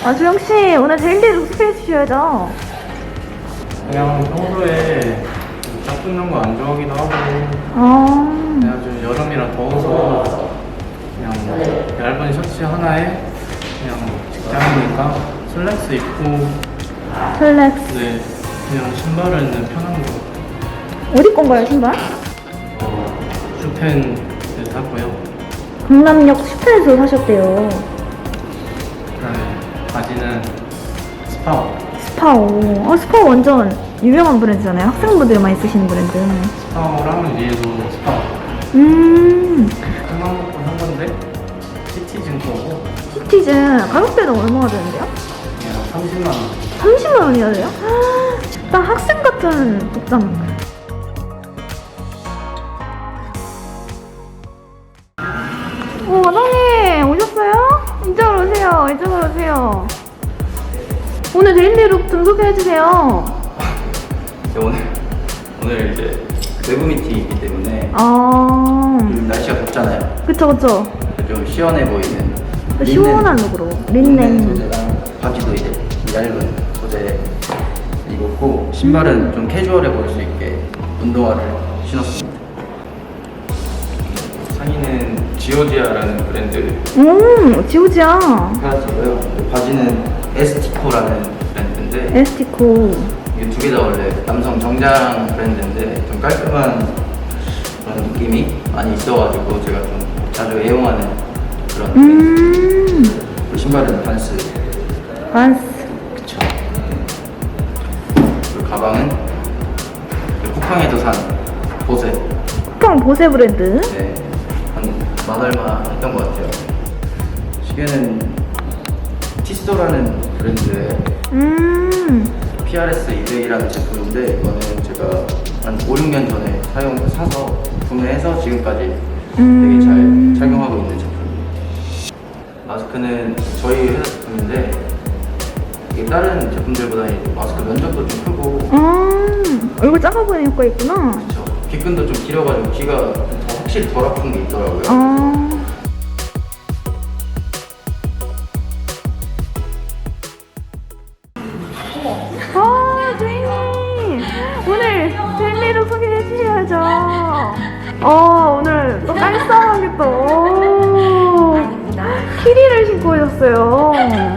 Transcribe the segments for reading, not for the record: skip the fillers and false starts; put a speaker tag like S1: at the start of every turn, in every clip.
S1: 주영씨, 오늘 데일리로 소개해 주셔야죠.
S2: 그냥 평소에 짝 붙는 거 안 좋아하기도 하고 그냥 좀 여름이라 더워서 그냥 얇은 셔츠 하나에 그냥 직장이니까 슬랙스 입고
S1: 슬랙스.
S2: 네, 그냥 신발은 편한 거
S1: 어디 건가요, 신발?
S2: 슈텐을 샀고요.
S1: 강남역 슈퍼에서 사셨대요.
S2: 그다음에 바지는 스파워.
S1: 스파오. 스파오 완전 유명한 브랜드잖아요. 학생분들이 많이 쓰시는 브랜드.
S2: 스파워랑 위에도 스파워. 큰맘 먹고 산 건데 시티즌 거고
S1: 시티즌 가격대는 얼마나 되는데요?
S2: 그냥 30만 원.
S1: 30만 원이나 돼요? 딱 학생 같은 복장. 과장님 오셨어요? 이쪽으로 오세요. 이쪽으로 오세요. 오늘 데일리룩 좀 소개해주세요.
S3: 오늘 이제 외부 미팅이기 때문에 요즘 날씨가 덥잖아요.
S1: 그쵸.
S3: 좀 시원해 보이는
S1: 시원한 룩으로.
S3: 린넨
S1: 린넨.
S3: 소재랑 바지도 이제 얇은 소재 입었고 신발은 좀 캐주얼해 보일 수 있게 운동화를 신었습니다. 상의는 지오지아라는 브랜드
S1: 지우지야.
S3: 가지고요. 바지는 에스티코라는 브랜드인데
S1: 에스티코.
S3: 이게 두 개 다 원래 남성 정장 브랜드인데 좀 깔끔한 그런 느낌이 많이 있어가지고 제가 좀 자주 애용하는 그런 브랜드. 그리고 신발은 반스.
S1: 반스.
S3: 그쵸. 그리고 가방은 쿠팡에서 산 보세.
S1: 쿠팡 보세 브랜드.
S3: 네, 한 만 얼마 했던 것 같아요. 시계는 티스토라는 브랜드의 PRS 200이라는 제품인데 이거는 제가 한 5, 6년 전에 사서 구매해서 지금까지 되게 잘 착용하고 있는 제품입니다. 마스크는 저희 회사 제품인데 이게 다른 제품들보다 마스크 면적도 좀 크고
S1: 얼굴 작아 보이는 효과 있구나.
S3: 그쵸. 귓근도 좀 길어가지고 귀가 더 확실히 덜 아픈 게 있더라고요.
S1: 주인님 오늘 데일리룩 소개해 주셔야죠. 오늘 또 깔쌈하게 또 키리를 신고 오셨어요.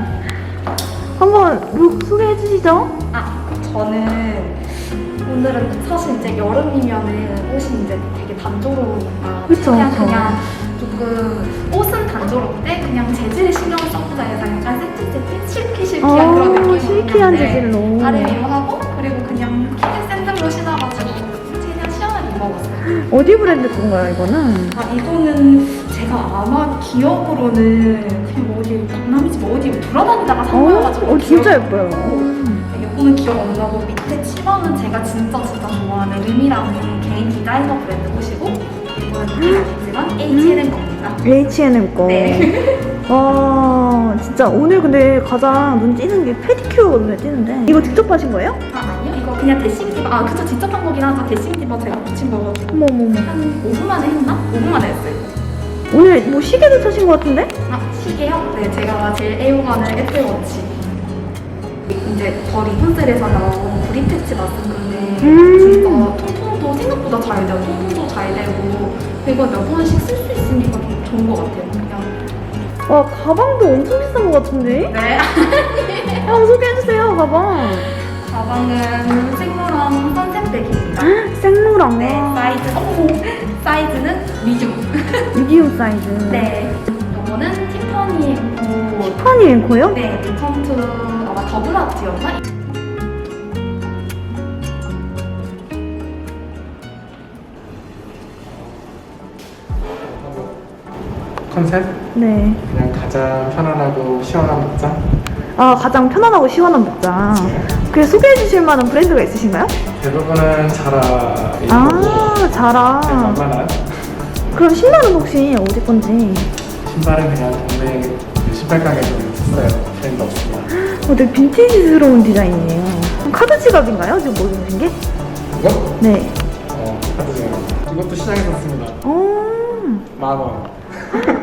S1: 한번 룩 소개해 주시죠.
S4: 저는 오늘은 사실 이제 여름이면은 옷이 이제 되게 단조로우니까
S1: 그쵸.
S4: 그냥 조금 옷은 단조로운데 그냥 재질에 신경을 써보자 해서 약간 세트 실키실키한 그런 느낌으로
S1: 실키한 재질로.
S4: 아래위로 하고 그리고 그냥 키즈 샌들로 신어가지고 최대한 시원하게 입어봤어요.
S1: 어디 브랜드 건가요 이거는?
S4: 이거는 제가 아마 기억으로는 그냥 어디 강남이지 뭐 어디 돌아다니다가 산 거여가지고
S1: 진짜 예뻐요.
S4: 이거는 기억 안 나고 밑에 치마는 제가 진짜 좋아하는 름이라는 개인 디자이너 브랜드 옷이고 이거는 알겠지만 H&M 겁니다.
S1: H&M 거.
S4: 네.
S1: 와 진짜 오늘 근데 가장 눈 띄는 게 페디큐어 눈에 띄는데 이거 직접 하신 거예요?
S4: 아니요, 이거 그냥 데싱 디바. 그쵸, 직접 한 거긴 하죠. 데싱 디바 제가 붙인 거가지고
S1: 어머머머.
S4: 한 5분 만에 했나? 5분 만에 했어요.
S1: 오늘 뭐 시계도 차신 것 같은데?
S4: 시계요? 네, 제가 제일 애용하는 애플워치. 이제 더 리본셀에서 나온 브리테치 마스크인데 진짜 통통도 생각보다 잘 돼요. 통통도 잘 되고 이거 몇 번씩 쓸 수 있으니까 좀 좋은 것 같아요. 그냥.
S1: 와 가방도 엄청 비싼 것 같은데?
S4: 네.
S1: 한번 소개해주세요 가방.
S4: 가방은 생로랑 선셋백입니다.
S1: 생로랑.
S4: 네, 사이즈는
S1: 미디움 사이즈.
S4: 네. 이거는 티파니 앤코.
S1: 티파니 앤코요?
S4: 네, 리턴 투 아마 더블 아트였나?
S2: 컨셉?
S1: 네.
S2: 그냥 가장 편안하고 시원한 복장?
S1: 가장 편안하고 시원한 복장. 그 소개해 주실 만한 브랜드가 있으신가요?
S2: 대부분은 자라
S1: 자라.
S2: 만만한
S1: 그럼 신발은 혹시 어디 건지?
S2: 신발은 그냥 동네 신발 가게에서 샀어요. 브랜드 없습니다.
S1: 되게 빈티지스러운 디자인이에요. 카드 지갑인가요? 지금 뭐 입으신 게?
S2: 이거?
S1: 네.
S2: 카드 지갑. 이것도 시장에서 샀습니다.
S1: 오.
S2: 10,000원.